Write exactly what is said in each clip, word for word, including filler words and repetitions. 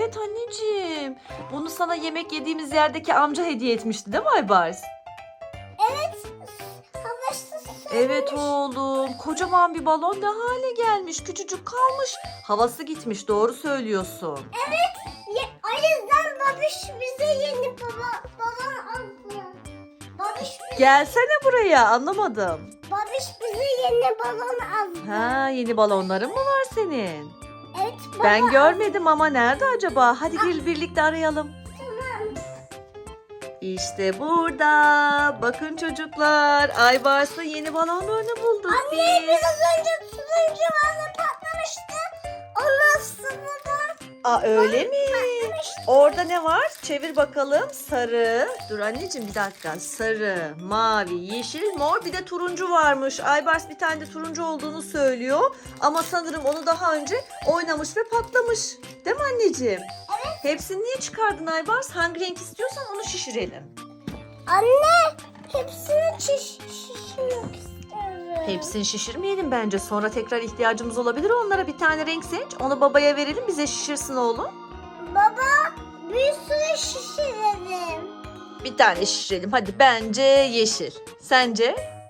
evet anneciğim. Bunu sana yemek yediğimiz yerdeki amca hediye etmişti değil mi Aybars? Evet. Havasız. Evet oğlum. Kocaman bir balon ne hale gelmiş. Küçücük kalmış. Havası gitmiş. Doğru söylüyorsun. Ya, o yüzden babiş bize yeni baba balon aldı. Babiş bize, Gelsene buraya. Anlamadım. babiş bize yeni balon aldı. Ha, yeni balonların mı var senin? Evet baba. Ben görmedim ama nerede acaba? Hadi gel birlikte arayalım. Tamam. İşte burada. Bakın çocuklar. Aybars'ın yeni balonlarını bulduk Anne biz. biraz önce turuncu balon patlamıştı. Ondan sonra Aa, öyle mi? patlamıştı. Orada ne var? Çevir bakalım. Sarı. Dur anneciğim bir dakika. Sarı, mavi, yeşil, mor bir de turuncu varmış. Aybars bir tane de turuncu olduğunu söylüyor. Ama sanırım onu daha önce oynamış ve patlamış. Değil mi anneciğim? Evet. Hepsini niye çıkardın Aybars? Hangi renk istiyorsan onu şişirelim. Anne hepsini şiş şişirmek istiyorum. Hepsini şişirmeyelim bence. Sonra tekrar ihtiyacımız olabilir. Onlara bir tane renk seç. Onu babaya verelim. Bize şişirsin oğlum. Baba bir sürü şişirelim. Bir tane şişirelim. Hadi bence yeşil. Sence?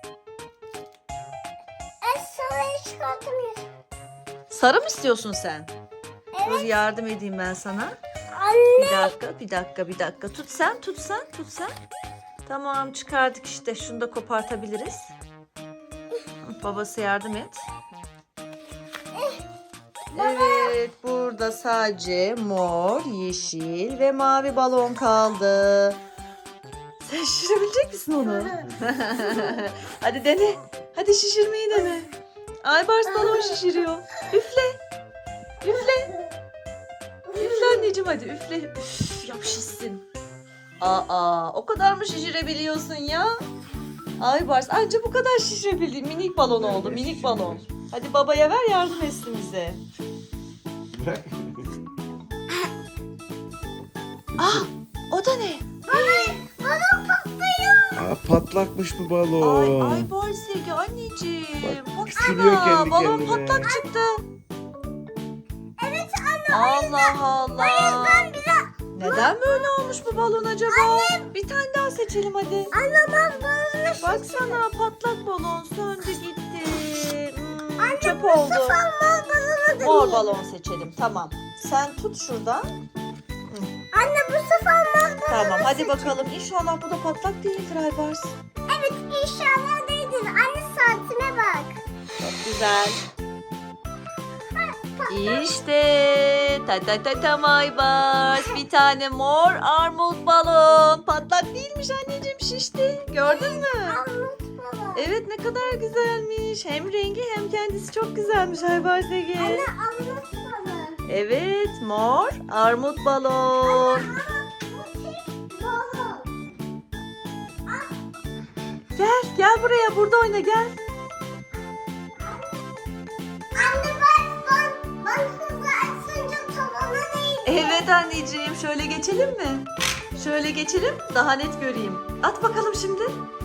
Ben sarayı çıkartamıyorum. Sarı mı istiyorsun sen? Dur Evet. yardım edeyim ben sana. Anne. Bir dakika, bir dakika, bir dakika. Tut sen, tut sen, tut sen. Tamam çıkardık işte. Şunu da kopartabiliriz. Babası yardım et. Evet, burada sadece mor, yeşil ve mavi balon kaldı. Sen şişirebilecek misin onu? Hadi dene. Hadi şişirmeyi dene. Aybars balon şişiriyor. Üfle. Üfle. Üfle anneciğim hadi üfle. Üf, yap şişsin. Aa, o kadar mı şişirebiliyorsun ya? Aybars anca bu kadar şişirebildi. Minik balon oldu, minik balon. Hadi babaya ver yardım etsin bize. Bırak. Ah, o da ne? Balon patlıyor. Aa, patlakmış bu Ay, balon. Aybars Ege anneciğim. Bak, Baksana küçülüyor kendi balon kendine. patlak çıktı. Evet anne. Allah Allah. Ben biraz Neden böyle olmuş bu balon acaba? Bir tane daha seçelim hadi. anlamam balonu şişirdim. Baksana patlak balon söndü gitti. Hmm, Anne çöp bu oldu. sefer mor balonu Mor deneyeyim. balon seçelim tamam. Sen tut şuradan. Anne bu sefer mor balonu Tamam hadi seçeyim. bakalım. İnşallah bu da patlak değildir Aybars. Evet inşallah değildir. Anne saatine bak. Çok güzel. İşte ta ta ta tam Aybars. Bir tane mor armut balon. Patlak değilmiş anneciğim şişti. Gördün mü? Anlat baba. Evet ne kadar güzelmiş. Hem rengi hem kendisi çok güzelmiş Aybars Ege. Anne anlat bana. Evet mor armut balon. Ama bu tek balon. Gel gel buraya burada oyna gel. Anne bak bak. Bak hızlı açınca tavana neydi? Evet anneciğim şöyle geçelim mi? Şöyle geçelim daha net göreyim. At bakalım şimdi.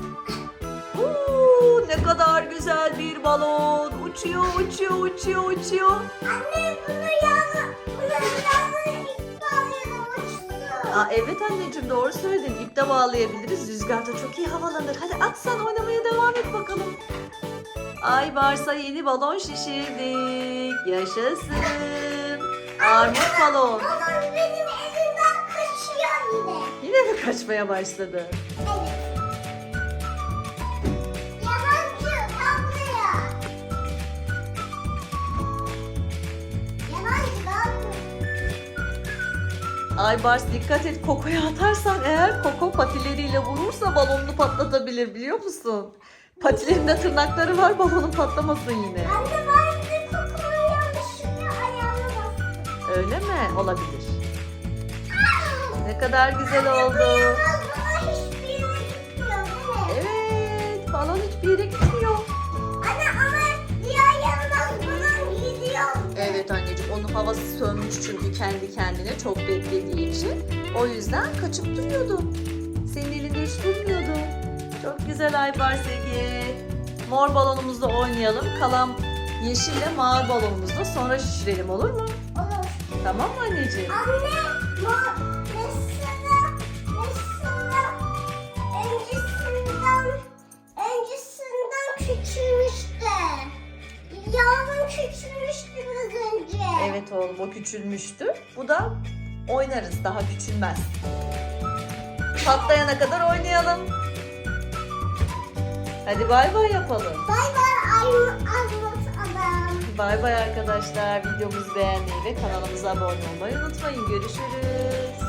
Oo, ne kadar güzel bir balon. Uçuyor uçuyor uçuyor uçuyor. Anne bunu yağla. Bunu yağla itfaiye uçtu. Aa, evet anneciğim doğru söyledin. İpte bağlayabiliriz. Rüzgarda çok iyi havalanır. Hadi at sen oynamaya devam et bakalım. Aybars'a yeni balon şişirdik. Yaşasın. Armut balon. Balon benim elimden kaçıyor yine. Yine mi kaçmaya başladı? Evet. Yalancı kal buraya. Yalancı kal buraya. Aybars dikkat et Koko'ya atarsan eğer Koko patileriyle vurursa balonunu patlatabilir biliyor musun? Patilerinde tırnakları var balonun patlamasın yine. Anne ben de kokumu yanlışlıkla ayağına bastım. Öyle mi? Olabilir. Ne kadar güzel Bu oldu. yalnız bana hiçbir yere gitmiyor değil mi? Evet balon hiçbir yere gitmiyor. Anne ama diğer yalnız bana gidiyor. Evet anneciğim onun havası sönmüş çünkü kendi kendine çok beklediği için. O yüzden kaçıp duruyordu. Senin elinde hiç durmuyordu. Çok güzel Aybars Ege. Mor balonumuzla oynayalım. Kalan yeşille mavi balonumuzu da sonra şişirelim, olur mu? Olur. Tamam mı anneciğim? Anne, ma mesela, mesela öncesinden, öncesinden küçülmüştü. Yavrum küçülmüştü biraz önce. Evet oğlum, o küçülmüştü. Bu da oynarız, daha küçülmez. Patlayana kadar oynayalım. Hadi bay bay yapalım. Bay bay Armut adam. Bay bay arkadaşlar. Videomuzu beğenmeyi ve kanalımıza abone olmayı unutmayın. Görüşürüz.